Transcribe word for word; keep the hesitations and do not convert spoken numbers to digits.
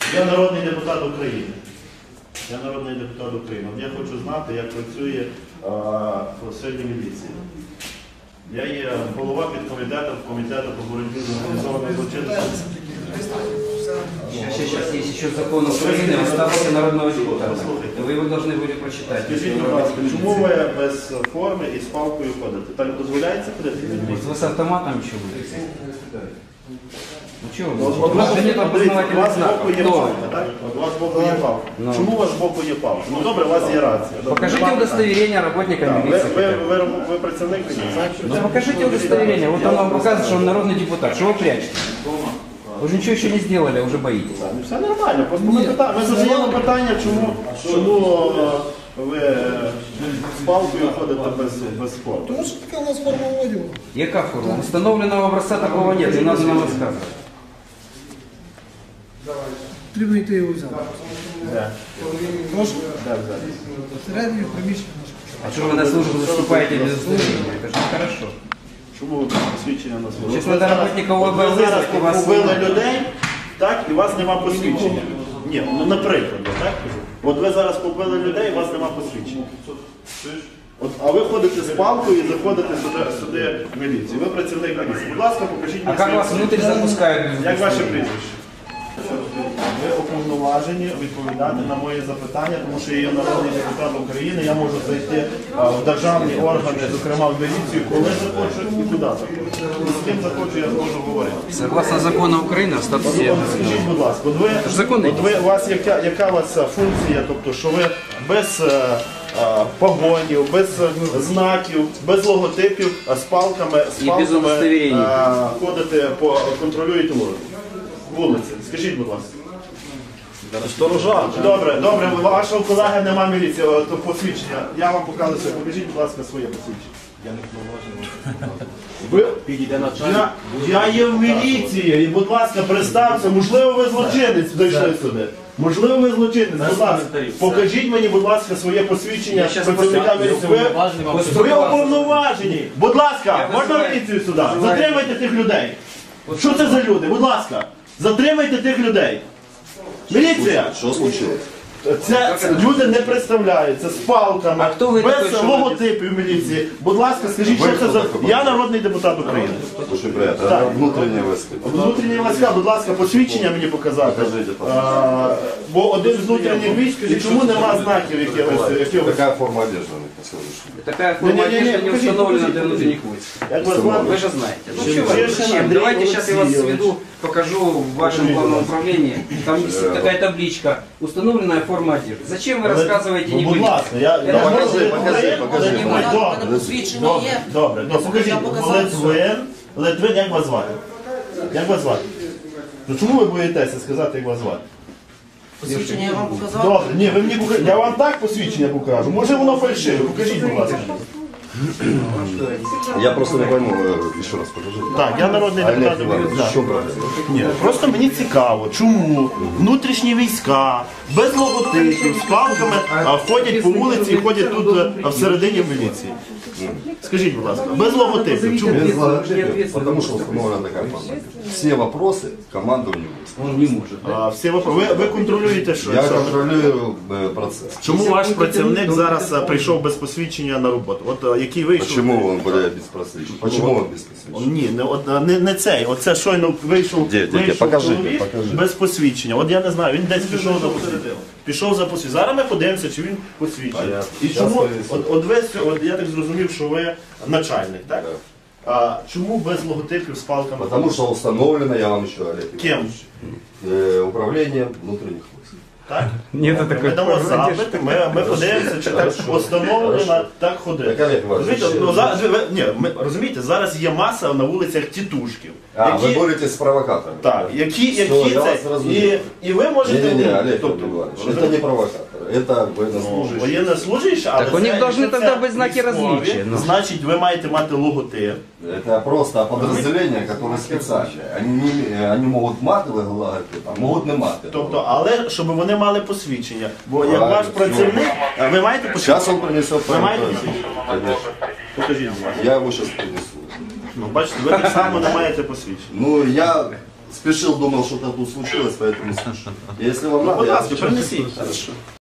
Я народний депутат України. Я народний депутат України. Я хочу знати, як працює а, сьогодні міліція. Я є голова підкомітету комітету по боротьбі з організованою злочинністю. Сейчас, сейчас есть еще закон Украины о статусе народного депутата. Вы его должны были прочитать. Скажіть, будь ласка, чому ви без форми і з палкою ходите? Так дозволяється ходити? Вы с автоматом еще будете? Ну чего От вы? У вас же нет у опознавательных вас збоку є знаков. палка, так? От у вас збоку є палка. Чому у вас збоку є палка? Ну добре, у вас є рація. Добре, Покажите вам удостоверение работника питання. Ви, милиции. ви, хотя бы. ви, ви працівник міліції? Ну покажите удостоверение. Вот он вам показывает, что он народный депутат. Что вы прячете? Вы же ничего еще не сделали, а уже боитесь. Ну, все нормально, просто ми, пита... ми задаємо питання, чому, чому е, ви з палкою ходите без, без форми. Тому що така у нас форма одягу. Яка форма? Установленного образца такого нет, не надо нам рассказывать. Потрібно йти його взяти. Де? Прошу. Де взяти? Всередині приміщення наше. А что вы на службу заступаете без удостоверения? Это же нехорошо. Чому ви посвідчення на службу? Чесно, Ви зараз- работника от ви ОБЛ зараз і вас побили немає. людей, так, і у вас нема посвідчення. Ні, ну наприклад, я так кажу. От ви зараз побили людей, і у вас нема посвідчення. От, а ви ходите з палкою і заходите сюди, сюди в міліцію. Ви працівник міліції. Будь ласка, покажіть А мені как своє вас внутрь запускают? без Як ваше удостоверения? прізвище? Ви уповноважені відповідати на мої запитання, тому що я є народний депутат України, я можу зайти а, в державні органи, зокрема в міліцію, коли захочу і куди захочу. І з ким захочу, я зможу говорити. Согласно закону Украины о статусе. От скажіть, будь ласка, от ви, законний. от ви, у вас яка, яка у вас а, функція, тобто, що ви без е, е, погонів, без е, знаків, без логотипів, а з палками, з І без палками удостоверень. е, ходите, по, контролюєте вулиці. Вулиці. Скажіть, будь ласка. Сторожа. Добре, добре, у вашого колеги нема міліції, о, то посвідчення. Я вам показую своє. Покажіть, будь ласка, своє посвідчення. Я не Ви... я, я є в міліції, і, будь ласка, представте, можливо, ви злочинець дійшли сюди. Можливо, ви злочинець, будь ласка, покажіть мені, будь ласка, своє посвідчення працівника міліції. Ви, ви уповноважені. Будь ласка, можна міліцію сюди? Затримайте тих людей. Що це за люди? Будь ласка, затримайте тих людей. Міліція! Що случилось? Це, це люди не представляються з палками, А хто ви такий, без що логотипів міліції. Будь ласка, скажіть, Ви що це хто за... такий? Я народний депутат України. Очень приятно. Так. Это внутренние войска. Внутрішні війська, будь ласка, посвідчення мені показати. Покажіть, А, бо один з внутрішніх військ, і чому нема знаків якихось? якихось? Какая форма одежды у них на сегодняшний день? Такая форма Не-не-не, одежды не покажите, установлена покажите, для внутренних войск. Як вас звати? Вы же знаете. Ну, Чешин чего вы, Андрей зачем? Давайте сейчас я вас Алексеевич. сведу, покажу в вашем главном управлении. Там висит такая табличка. Установленная форма одежды. Зачем вы рассказываете Ну, не будь были? ласка, я... Я я ж можу покажи, говорити? покажи, покажи. Добре, У мене добре. посвідчення Добре, є. добре, добре. Покажіть, Я показав Литвин, Литвин, як вас звати? Як вас звати? Ну чому ви боїтеся сказати, як вас звати? Посвідчення я вам показав. Добре, ні, ви мені покажіть. Я вам так посвідчення покажу. Може воно фальшиве, покажіть, будь ласка. Я просто не пойму, э, еще раз покажи. Так, я народний Олег депутат Иванович, України. в чем проблема? Ні, просто мені цікаво, чому внутрішні війська без логотипів, з палками а, ходять по вулиці і ходять тут а, всередині міліції. Скажіть, будь ласка, без логотипів, чому? Без логотипа, потому что установлена такая форма. Все вопросы командованию войск. Он не может. А, всі випро- ви, ви контролюєте що? Я що? контролирую э, процесс. Чому ваш працівник зараз а, прийшов без посвідчення на роботу? От а, який вийшов? Почему он, блядь, без просвещения? Почему он без просвещения? Ні, не, от, а, не, не цей. Оце щойно вийшов, Де, де, де? вийшов Покажи, чоловік покажи. без посвідчення. От я не знаю, він десь пішов за посвідчення. Пішов за посвідчення. Зараз ми подивимося, чи він посвідчений. Понятно. І Щас чому, вивезу. от, от, ви, сьо- от я так зрозумів, що ви начальник, так? Так. А чому без логотипів з палками? Потому что установлено, я вам еще, Олег Ким? Иванович, э, управлением внутренних войск. Так? Нет, Добре, такой ми дамо запит, ми, ми подивимося, чи так встановлено, так ходить. Так, Олег Іванович, Розумієте, ще- ну, зараз, ви- ви- ні, ми, розумієте, зараз є маса на вулицях тітушків. А, вы боретесь с провокатором? Так, які, Все, які я це, вас зрозумів. і, і ви можете... Не-не-не, Олег тобто, Иванович, ви- это не провокатор, это ну, военнослужащий. воєннослужащі, але Так у них це- должны якщо тогда це быть знаки військові, различия, ну. Значить, ви маєте мати логотип. Это просто подразделения, которые специальные. Они, не, они могут матовые логотип, а могут не матовые. Тобто, але щоб вони мали посвідчення. Бо як Правильно, ваш працівник, а ви маєте Сейчас посвідчення? он принесет Ви маєте правильно. посвідчення? Конечно. Покажіть, будь ласка. Я его сейчас принесу. Ну, бачите, ви так само не маєте посвідчення. Ну, я спешил, думал, что-то тут случилось, поэтому... Если вам надо, Будь я ласка, принесіть. Хорошо.